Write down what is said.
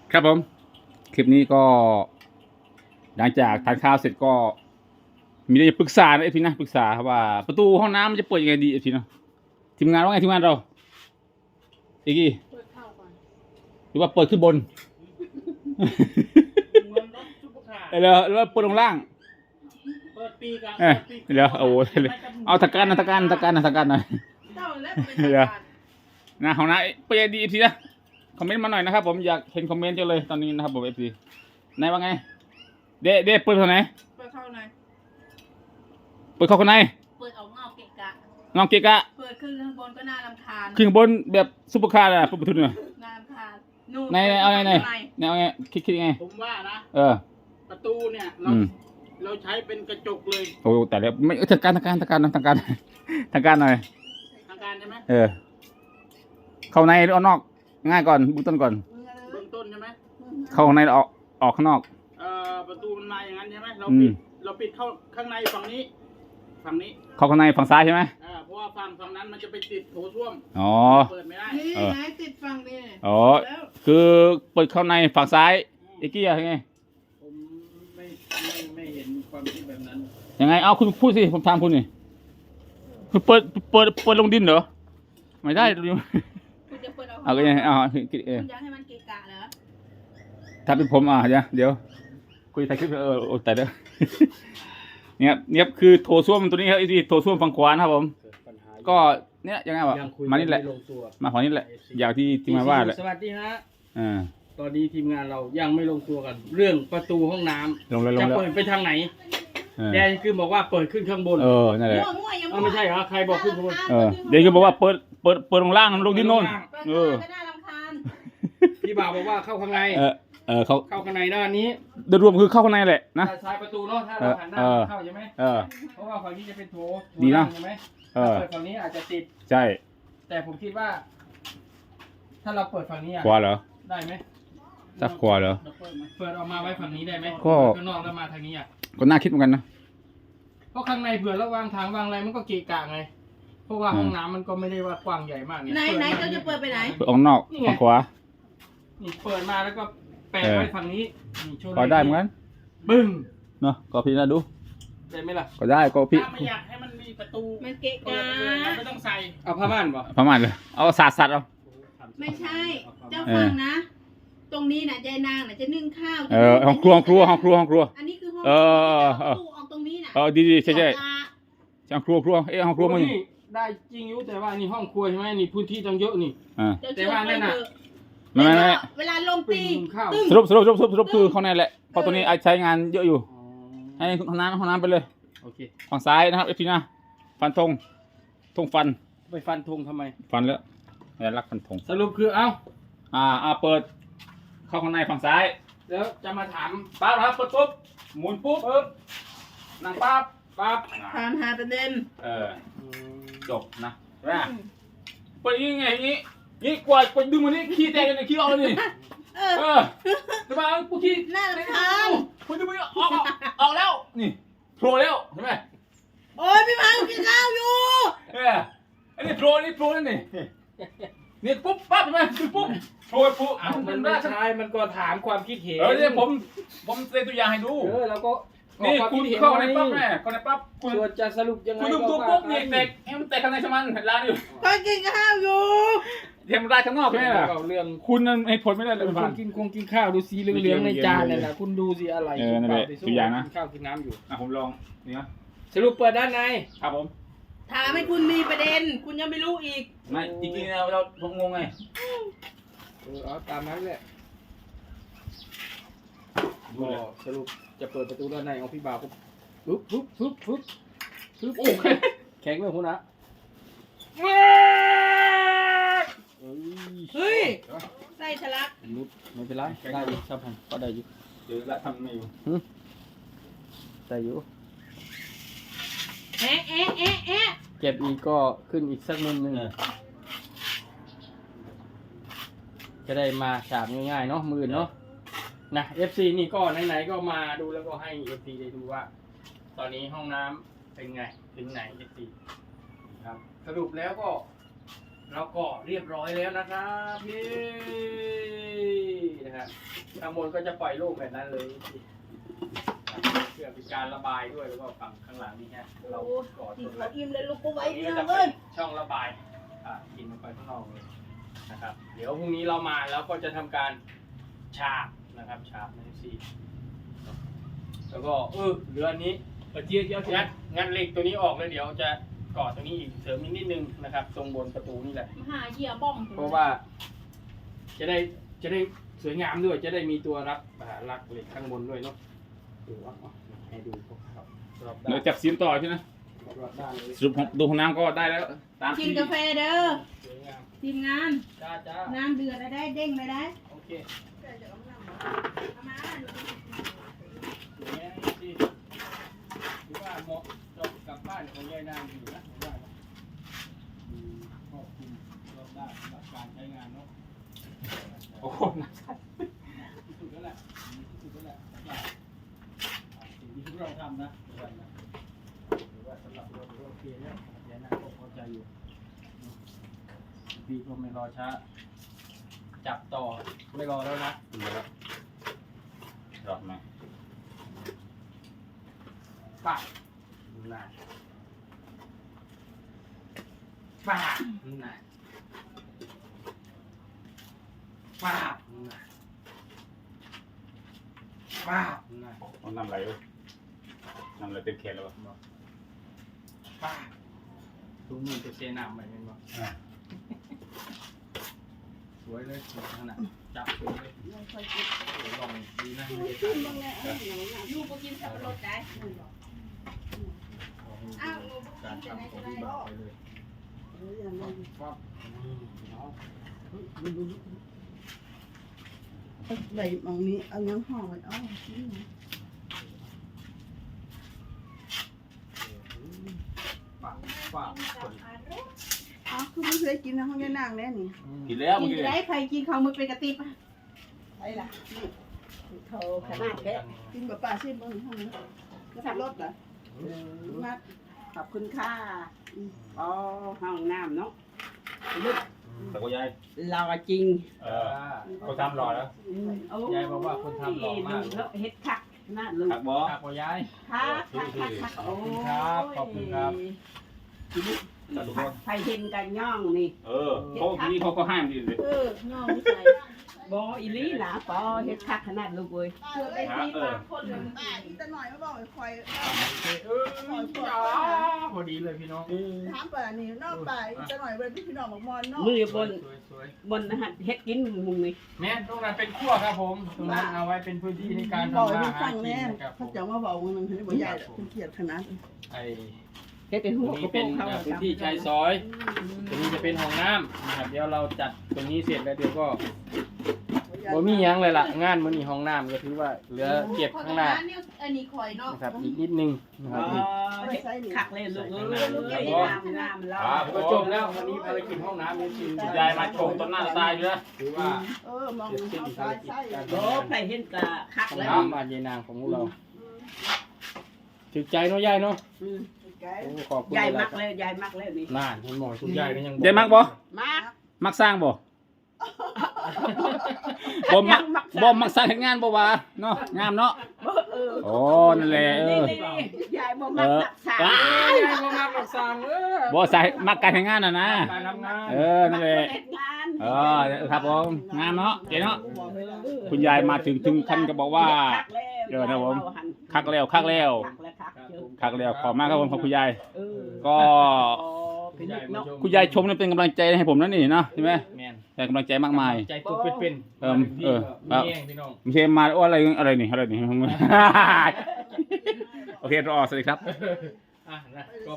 ครับผมคลิปนี้ก็หลังจากทานข้าวเสร็จก็มีเรื่องจะปรึกษานะเอฟซีนะปรึกษาครับว่าประตูห้องน้ำมันจะเปิดยังไงดีเอฟซีเนาะทีมงานว่าไงทีมงานเราอีกกี้เปิดเข้าก่อนหรือว่าเปิดขึ้นบนเหมือนรถซุปเปอร์คาร์แล้วเปิดลงล่างเปิดปีกลางเดี๋ยวโอ้โหเอาตะการหน่อยเจ้าแล้วเป็นเดี๋ยว นะห้องน้ำเปิดยังไงดีเอฟซีนะคอมเมนต์มาหน่อยนะครับผมอยากเห็นคอมเมนต์จังเลยตอนนี้นะครับผมเอฟซีไหนว่าไงเดเปิดตรงไหนเปิดเข้าหน่อยเปิดเข้าข้างในเปิดออกนอกเกะกะงองเกะกะเปิดขึ้นข้างบนก็น่ารำคาญขึ้นข้างบนแบบซุปเปอร์คาร์อะปุ๊บทุนเนี่ยน่ารำคาญนู่นในเอาไงเอาไงคิดยังไงผมว่านะ ประตูเนี่ยเราใช้เป็นกระจกเลยโอ้แต่แล้วไม่ทางการหน่อยทางการหน่อยทางการใช่ไหมเข้าในหรือออกนอกง่ายก่อนเบื้องต้นก่อนเบื้องต้นใช่ไหมเข้าในออกข้างนอกประตูมันมาอย่างนั้นใช่ไหมเราอืปิมดเราปิดเข้าข้างในฝั่งนี้เข้าข้างในฝั่งซ้ายใช่ไหมเพราะว่าฝั่งนั้นมันจะไปติดโถส้วมอ๋อเปิดไม่ได้นี่ไงติดฟังนี่อ๋อแล้วคือเปิดเข้าในฝั่งซ้ายอีกกี้ยังไงผมไม่เห็นความคิดแบบนั้นยังไงเอาคุณพูดสิผมถามคุณนี่คุณเปิดลงดินเหรอไม่ได้ดูคุณจะเปิดเอาเอาก็ยังไงเอาคุณอยากให้มันเกะกะเหรอถ้าเป็นผมเดี๋ยวคุยถ่ายคลิปโอ้แต่เด้อ เนี่ยคือโถส้วมตัวนี้ครับไอ้ที่โถส้วมฝั่งขวานะครับผมปัญหาก็เนี่ยยังไงวะยังคุยมานี่แหละไม่ลงตัวมาฝั่งนี้แหละอย่างที่ทีมงานว่าแหละสวัสดีฮะอ่าตอนนี้ทีมงานเรายังไม่ลงตัวกัน เรื่องประตูห้องน้ำลงแล้วจะเปิดไปทางไหนเออแดนคือบอกว่าเปิดขึ้นข้างบนนั่นแหละมั่วยังไม่ใช่เหรอใครบอกขึ้นข้างบนเดี๋ยวก็บอกว่าเปิดลงล่างลงดินโน่นเปิดเข้าก็น่ารำคาญพี่บ่าวบอกว่าเข้าข้างในเขาเข้าข้างในด้านนี้โดยรวมคือเข้าข้างในแหละนะด้านซ้ายประตูเนาะถ้าเราหันหน้าเข้าใช่ไหมเออเพราะว่าฝั่งนี้จะเป็นโถดีนะใช่ไหมเออถ้าเปิดฝั่งนี้อาจจะติดใช่แต่ผมคิดว่า ถ้าเราเปิดฝั่งนี้อะขวาเหรอได้ไหมซักขวาเหรอเปิดออกมาไว้ฝั่งนี้ได้ไหมก็ข้างนอกแล้วมาทางนี้อ่ะก็น่าคิดเหมือนกันนะเพราะข้างในเผื่อเราวางทางวางอะไรมันก็เกะกะไง เพราะว่าห้องน้ำมันก็ไม่ได้ว่ากว้างใหญ่มากเนี่ยไหนเจ้าจะเปิดไปไหนเปิดออกนอกฝั่งขวานี่เปิดมาแล้วก็แปะไว้ฝั่งนี้นี่โชว์ก็ได้เหมือนกันบึ้งเนาะก็พี่นะดูได้ไหมล่ะก็ได้ก็พี่ถ้าไม่อยากให้มันมีประตูมันเกะเปิกะดเลยเราไม่ต้องใส่เอาผ้าม่านบ่ประมาณเลยเอาสัตว์เอาไม่ใช่ เจ้าฟังนะ ตรงนี้น่ะยายนางน่ะจะนึ่งข้าวห้องครัวอันนี้คือห้อง ตู้ออกตรงนี้น่ะดีใช่ห้องครัวห้องครัวมั้งนี่ได้จริงอยู่แต่ว่านี่ห้องครัวใช่ไหมนี่พื้นที่ต้องเยอะนี่แต่ว่านั่นน่ะไม่เวลาลงตีข้าวตึ้งสรุปคือข้างในแหละเพราะตัวนี้ใช้งานเยอะอยู่ให้ห้องน้ำไปเลยโอเคฝั่งซ้ายนะครับเอฟซีนะฟันธงฟันไปฟันธงทำไมฟันแล้วอย่ารักฟันธงสรุปคือเอ้าเปิดเข้าข้างในฝั่งซ้ายแล้วจะมาถามปั๊บครับเปิดปุ๊บหมุนปุ๊บนั่งปั๊บถามหาประเด็นจบนะเปิดยังไงนี่กว่าดึงมันนี่ขี้แตกเลยขี้ออกเลยนี่จะมากูขี้น่ารำคาญคุณดึงมันออกแล้วนี่โผล่แล้วใช่ไหมโอ้ยพี่พังกินข้าวอยู่อันนี้โผล่นั่นนี่ปุ๊บปั๊บใช่ไหมปุ๊บโผล่ปุ๊บมันไม่ใช่มันก็ถามความคิดเห็นเนี่ยผมเซ็นตัวอย่างให้ดูแล้วก็นี่คุณเข้าในปั๊บแม่เข้าในปั๊บคุณส่วนจะสรุปยังไงคุณดึงตัวปุ๊บนี่แตกให้มันแตกข้างในสมันร้านอยู่ก็กินข้าวอยู่เทมร้านข้างนอกใช่ไหมล่ะเรื่องคุณนั่นให้ผลไม่ได้เลยคุผ่าณนกินข้าวดูสีเหลืองๆในจานนั่นแหละคุณดูสิอะไรนั่นแหละตัวอย่างนะกินข้าวกินน้ำอยู่ผมลองนี่นะสรุปเปิดด้านในครับผมถามให้คุณมีประเด็น คุณยังไม่รู้อีกไม่จริงๆเราผมงงไงเอาตามนั้นแหละก็สรุปจะเปิดประตูด้านในของพี่บ่าวปุ๊บโอเคแข็งเลยคุณนะเฮ้ยไส้ทะลักนิดไม่เป็นไรได้อยู่ชอบพันก็ได้อยู่เดี๋ยวละทำไม่อยู่ได้อยู่แอะแอะแอะแอะเก็บอีกก็ขึ้นอีกสักมุมหนึงจะได้มาฉาบง่ายๆเนาะมือเนาะนะ FC นี่ก็ไหนๆก็มาดูแล้วก็ให้ FC ได้ดูว่า ตอนนี้ห้องน้ำเป็นไงถึงไหน FC ครับสรุปแล้วก็เราก็เรียบร้อยแล้วนะครับพี่นะฮะข้างบนก็จะปล่อยลูกแบบนั้นเลยเพื่อเป็นการระบายด้วยแล้วก็ฝั่งข้างหลังนี่ฮะเราก่อกิตันวเขาอิ่มเลยลูกกูไว้นี้เนี่ยก็จะเลเป็ยนช่องระบายกินออกไปข้างนอกเลยนะครับเดี๋ยวพรุ่งนี้เรามาแล้วก็จะทำการฉาบนะครับฉาบในซีแล้วก็เหลืออันนี้เจี๊ยบงัดเหล็กตัวนี้ออกเลยเดี๋ยวจะก่อตัวนี้อีกเสริมอีกนิดนึงนะครับตรงบนประตูนี่แหละหาเหยื่อบ้องเพราะว่าจะได้สวยงามด้วยจะได้มีตัวรักเหล็กข้างบนด้วยเนาะดูว่าให้ดูคร่าวๆรอบด้าเดี๋ยนวจับซีนต่อใช่ไหมรอบด้านเลยสรุปของดูของน้ำก็ได้แล้วตามกินที่กาแฟเด้อสวยงามทีมงานจ้าน้ำเดือดได้เด้งเลยได้โอเคเอามาสวยงามดีหรือว่าเหมาะจบกลับบ้านของยายนางอยู่นะผมว่านะครอบคลุมรอบด้านสำหรับการใช้งานเนาะโอ้โหที่สุดแล้วแหละที่สุดแล้วแหละสิ่งที่เราทำนะหรือว่าสำหรับเราโอเคแล้วยายนางก็พอใจอยู่พี่ก็ไม่รอช้าจับต่อไม่รอแล้วนะรอบไหมป่าน่ะป่าน่ะป่าน่ะป่าน่ะเอาน้ำไหลเลยน้ำไหลเต็มแขนแล้ววะป่าทุกมือจะเซน้ำไปเป็นบ่สวยเลยสวยขนาดจับสวยเลยลองดีนะลูกก็กินสับปะรดได้อ้าวการทำของพี่บ่าวไปเลยปั๊บใบมองนี้เอายังห่อไว้เอานี่นะปั๊บปั๊บอ๋อคือไม่เคยกินนะห้องยายนางแน่นี่กินแล้วกิเมื่อน กี้ได้ใครกินข้าวมือเป็นกระติบไอ้ล่ะนี่โถขนาดแค่กินแบบป่าชิมบนห้องนี้ก็ขับรถเหรอมาขอบคุณค่ะอ๋อห้องน้ำเนาะลึกแต่ก็ยายรอจริงเขาทำรอแล้วยายบอกว่าคนทำหล่อมากเฮ็ดคักน่าลืมหักบอครับพ่อยายคักคักขอบคุณครับขอบคุณครับแต่ทุกคนไฟเห็นกันย่องนี่เขาทีนี้เขาก็ห้ามดีเลยย่อไม่ใส่บออีลี่หนาปอเฮ็ดคักขนาดลูกเว้ยเกือบไปตีปากคนเลยป้าอีตาหน่อยมาบอกไอ้ควายพอดีเลยพี่น้องถามป่านี่นอกป่าอีตาหน่อยเป็นพี่น้องบอกมอนเนาะมือบนสวยบนอาหารเฮ็ดกินมุงนี่แม่ตรงนั้นเป็นขั้วครับผมตรงนั้นเอาไว้เป็นพื้นที่ในการบอกทำให้มามันหาฟังกินแน่นะครับผเขามจะมาบอกมันให้บ่ใหญ่เป็นเกียรติขนาดไอ้เฮ็ดเป็นตหัรวงกนี้ระโปเป็รนงเขาพื้นที่ชายซอยตรงนี้จะเป็นห้องน้ำนะครับเดี๋ยวเราจัดตรงนี้เสร็จแล้วเดี๋ยวก็บ่มีหยังเลยล่ะงานมื้อนี้ห้องน้ำก็ถือว่าเหลือเก็บข้างหน้าอันนี้ข่อยเนาะนะครับอีกนิดนึงนะครับนี่เฮ็ดคักเลยลูกเอ้ยน้ำแล้วก็จบแล้ววันนี้ภารกิจห้องน้ำนี่คือยายมาชมต้นหน้าตายอยู่นะถือว่ามองเสร็จสิ้นเขาภารซ้ายกิจใส่การโอ้ใครเห็นกะคักห้องแล้วน้ำบ้านยายนางของพวกเราถึกใจเนาะยายเนาะโอ้ขอบคุณใหญ่หลมาย กเลยใหญ่มากเลยนี่น่านเห็นหมอคุณยายก็ยังยายมักบ่มากมักสร้างบ่บ่มักสร้างเฮ็ดงานบ่วะเนาะงามเนาะโอ้นั่นแหละนี่ยายบ่มักรักษายายบ่มักรักษาเบ่ใส่มักการเฮ็ดงานน่ะนะการทำงานนั่นแหละเฮ็ดงานครับผมงามเนาะเจ๋งเนาะคุณยายมาถึงขั้นก็บอกว่า ครับผมคักแล้วคักแล้ว คักแล้วขอบมากครับผมขอบคุณยายก็คุณยายมาชมคุณยายชมนี่เป็นกำลังใจให้ผมนั่นนี่เนาะใช่ไหมแม่นแต่กำลังใจมากมายใจตัวเป็นๆครับมีแห้งพี่น้องไม่ใช่มาโอ้อะไรนี่โอเครอสวัสดีครับอ่ะนะก็